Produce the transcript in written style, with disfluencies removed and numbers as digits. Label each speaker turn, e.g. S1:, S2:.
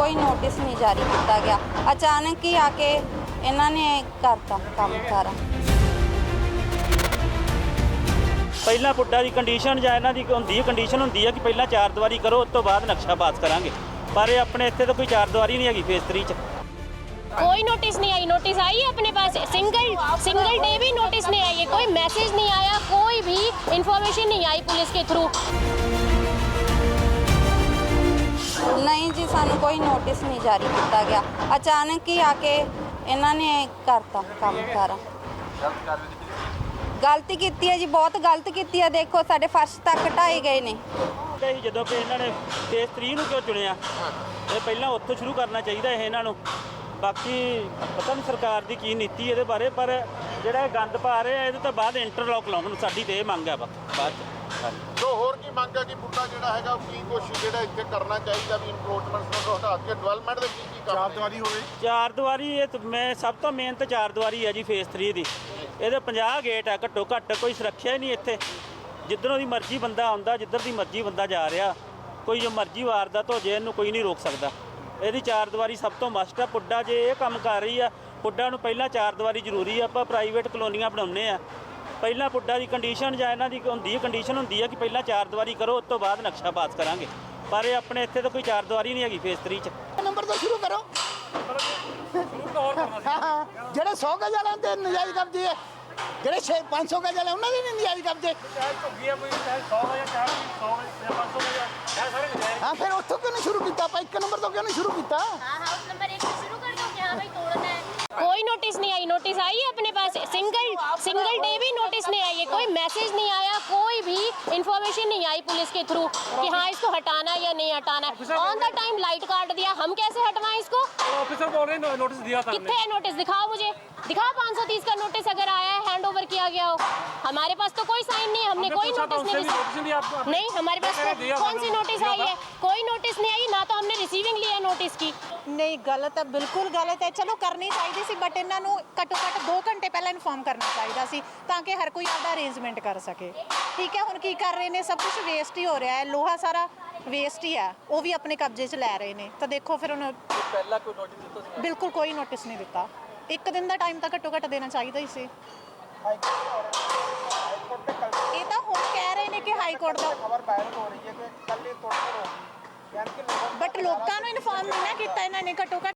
S1: ਕੋਈ ਨੋਟਿਸ ਨਹੀਂ ਜਾਰੀ ਕੀਤਾ ਗਿਆ। ਅਚਾਨਕ ਹੀ ਆ ਕੇ ਇਹਨਾਂ ਨੇ ਕਰਤਾ ਕੰਮ ਸਾਰਾ।
S2: ਪਹਿਲਾਂ ਪੁੱਡਾ ਦੀ ਕੰਡੀਸ਼ਨ ਜਾਂ ਇਹਨਾਂ ਦੀ ਕੰਡੀਸ਼ਨ ਹੁੰਦੀ ਹੈ ਕਿ ਪਹਿਲਾਂ 4 ਦੀਵਾਰੀ ਕਰੋ, ਉਸ ਤੋਂ ਬਾਅਦ ਨਕਸ਼ਾ ਪਾਸ ਕਰਾਂਗੇ, ਪਰ ਇਹ ਆਪਣੇ ਇੱਥੇ ਤਾਂ ਕੋਈ 4 ਦੀਵਾਰੀ ਨਹੀਂ ਹੈਗੀ ਫੇਸ 3 ਚ।
S3: कोई नोटिस नहीं आई। नोटिस आई है अपने पास, सिंगल डे भी नोटिस नहीं आई है, कोई मैसेज नहीं आया, कोई भी इंफॉर्मेशन नहीं आई पुलिस के थ्रू।
S1: ਨਹੀਂ ਜੀ, ਸਾਨੂੰ ਕੋਈ ਨੋਟਿਸ ਨਹੀਂ ਜਾਰੀ ਕੀਤਾ ਗਿਆ। ਅਚਾਨਕ ਹੀ ਆ ਕੇ ਇਹਨਾਂ ਨੇ ਕਰਤਾ ਕੰਮ ਸਾਰਾ। ਗਲਤੀ ਕੀਤੀ ਹੈ ਜੀ, ਬਹੁਤ ਗਲਤ ਕੀਤੀ ਹੈ। ਦੇਖੋ ਸਾਡੇ ਫਰਸ਼ ਤੱਕ ਢਾਏ ਗਏ ਨੇ।
S2: ਜਦੋਂ ਕਿ ਇਹਨਾਂ ਨੇ ਫੇਸ 3 ਨੂੰ ਕਿਉਂ ਚੁਣਿਆ, ਇਹ ਪਹਿਲਾਂ ਉੱਥੋਂ ਸ਼ੁਰੂ ਕਰਨਾ ਚਾਹੀਦਾ ਇਹ ਇਹਨਾਂ ਨੂੰ। ਬਾਕੀ ਪਤਾ ਨਹੀਂ ਸਰਕਾਰ ਦੀ ਕੀ ਨੀਤੀ ਇਹਦੇ ਬਾਰੇ, ਪਰ ਜਿਹੜਾ ਇਹ ਗੰਦ ਪਾ ਰਹੇ ਆ ਇਹਦੇ ਤੋਂ ਬਾਅਦ ਇੰਟਰਲੌਕ ਲਾਉਣ ਸਾਡੀ ਤੇ ਇਹ ਮੰਗ ਆ ਬਾਅਦ ਚ।
S4: ਸੋ ਹੋਰ ਕੀ ਮੰਗ ਹੈ ਕਿ ਪੁੱਡਾ ਜਿਹੜਾ ਹੈਗਾ ਕੀ ਕੁਛ ਜਿਹੜਾ ਇੱਥੇ ਕਰਨਾ ਚਾਹੀਦਾ ਵੀ ਇਨਕਰੋਚਮੈਂਟਸ ਨੂੰ ਹਟਾ ਕੇ ਡਿਵੈਲਪਮੈਂਟ ਦੇ ਕੀ ਕੰਮ 4 ਦੀਵਾਰੀ ਹੋਵੇ।
S2: 4 ਦੀਵਾਰੀ ਇਹ ਮੈਂ ਸਭ ਤੋਂ ਮੇਨ ਤਾਂ 4 ਦੀਵਾਰੀ ਹੈ ਜੀ ਫੇਸ 3 ਦੀ। ਇਹਦੇ 50 ਗੇਟ ਆ ਘੱਟੋ ਘੱਟ, ਕੋਈ ਸੁਰੱਖਿਆ ਹੀ ਨਹੀਂ ਇੱਥੇ। ਜਿੱਧਰੋਂ ਦੀ ਮਰਜ਼ੀ ਬੰਦਾ ਆਉਂਦਾ, ਜਿੱਧਰ ਦੀ ਮਰਜ਼ੀ ਬੰਦਾ ਜਾ ਰਿਹਾ, ਕੋਈ ਜੋ ਮਰਜ਼ੀ ਵਾਰਦਾਤ ਹੋ ਜੇ ਇਹਨੂੰ ਕੋਈ ਨਹੀਂ ਰੋਕ ਸਕਦਾ। ਇਹਦੀ 4 ਦੀਵਾਰੀ ਸਭ ਤੋਂ ਮਸਟ ਆ। ਪੁੱਡਾ ਜੇ ਇਹ ਕੰਮ ਕਰ ਰਹੀ ਆ, ਪੁੱਡਾ ਨੂੰ ਪਹਿਲਾਂ 4 ਦੀਵਾਰੀ ਜ਼ਰੂਰੀ ਆ। ਆਪਾਂ ਪ੍ਰਾਈਵੇਟ ਕਲੋਨੀਆਂ ਬਣਾਉਂਦੇ ਆ, ਪਹਿਲਾਂ ਪੁੱਡਾ ਦੀ ਕੰਡੀਸ਼ਨ ਜਾਂ ਇਹਨਾਂ ਦੀ ਕੰਡੀਸ਼ਨ ਹੁੰਦੀ ਹੈ ਕਿ ਪਹਿਲਾਂ 4 ਦੀਵਾਰੀ ਕਰੋ, ਉਸ ਤੋਂ ਬਾਅਦ ਨਕਸ਼ਾ ਪਾਸ ਕਰਾਂਗੇ, ਪਰ ਇਹ ਆਪਣੇ ਇੱਥੇ ਤਾਂ ਕੋਈ 4 ਦੀਵਾਰੀ ਨਹੀਂ ਹੈਗੀ ਫੇਸ 3 ਚ।
S5: ਨੰਬਰ ਤੋਂ ਸ਼ੁਰੂ ਕਰੋ। ਜਿਹੜੇ 100 ਗਜ ਵਾਲਿਆਂ ਦੇ ਨਜਾਇਜ਼ ਕਬਜ਼ੇ ਹੈ, ਜਿਹੜੇ 500 ਗਜ ਵਾਲੇ ਉਹਨਾਂ ਦੇ ਨਹੀਂ ਨਜਾਇਜ਼ ਕਬਜ਼ੇ। ਹਾਂ, ਫਿਰ ਉੱਥੋਂ ਕਿਉਂ ਨਹੀਂ ਸ਼ੁਰੂ ਕੀਤਾ? ਆਪਾਂ 1 ਨੰਬਰ ਤੋਂ क्यों नहीं शुरू किया?
S3: हाउस नंबर 1 से शुरू कर दो कि हाँ भाई तोड़ना है। कोई नोटिस नहीं आई। नोटिस आई है अपने पास, सिंगल डे भी नोटिस नहीं आई है, कोई मैसेज नहीं आया, कोई भी इंफॉर्मेशन नहीं आई पुलिस के थ्रू कि हाँ इसको हटाना है या नहीं हटाना है। ऑन द टाइम लाइट काट दिया, हम कैसे हटवाएं इसको?
S6: ऑफिसर बोल रहे हैं नोटिस दिया था।
S3: कितने है नोटिस? दिखाओ मुझे, दिखाओ 530 का नोटिस अगर आया है, हैंड ओवर किया गया हो। हमारे पास तो कोई साइन नहीं है, हमने कोई नोटिस नहीं, हमारे पास कौन सी नोटिस आई है? कोई नोटिस नहीं आई, ना तो हमने रिसीविंग लिया नोटिस की।
S7: नहीं, गलत है, बिल्कुल गलत है। चलो करनी चाहिए सी, बट इन्हों घट्टो घट्ट 2 घंटे पहले इन्फॉर्म करना चाहिए सी, ताकि हर कोई आपका अरेंजमेंट कर सके। ठीक है, हुण की कर रहे हैं, सब कुछ वेस्ट ही हो रहा है, लोहा सारा वेस्ट ही है, वो भी अपने कब्जे च लै रहे हैं। तो देखो फिर हुण बिल्कुल कोई नोटिस नहीं दिता। 1 दिन का टाइम तो घट्टो घट्ट देना चाहिए ही सी। ये तो हुण कह रहे हैं कि हाई कोर्ट का खबर वायरल हो रही है कि कल ये तोड़फोड़ होगी, बट लोगों को इन्फॉर्म नहीं ना किया इन्होंने घट्टो घट्ट।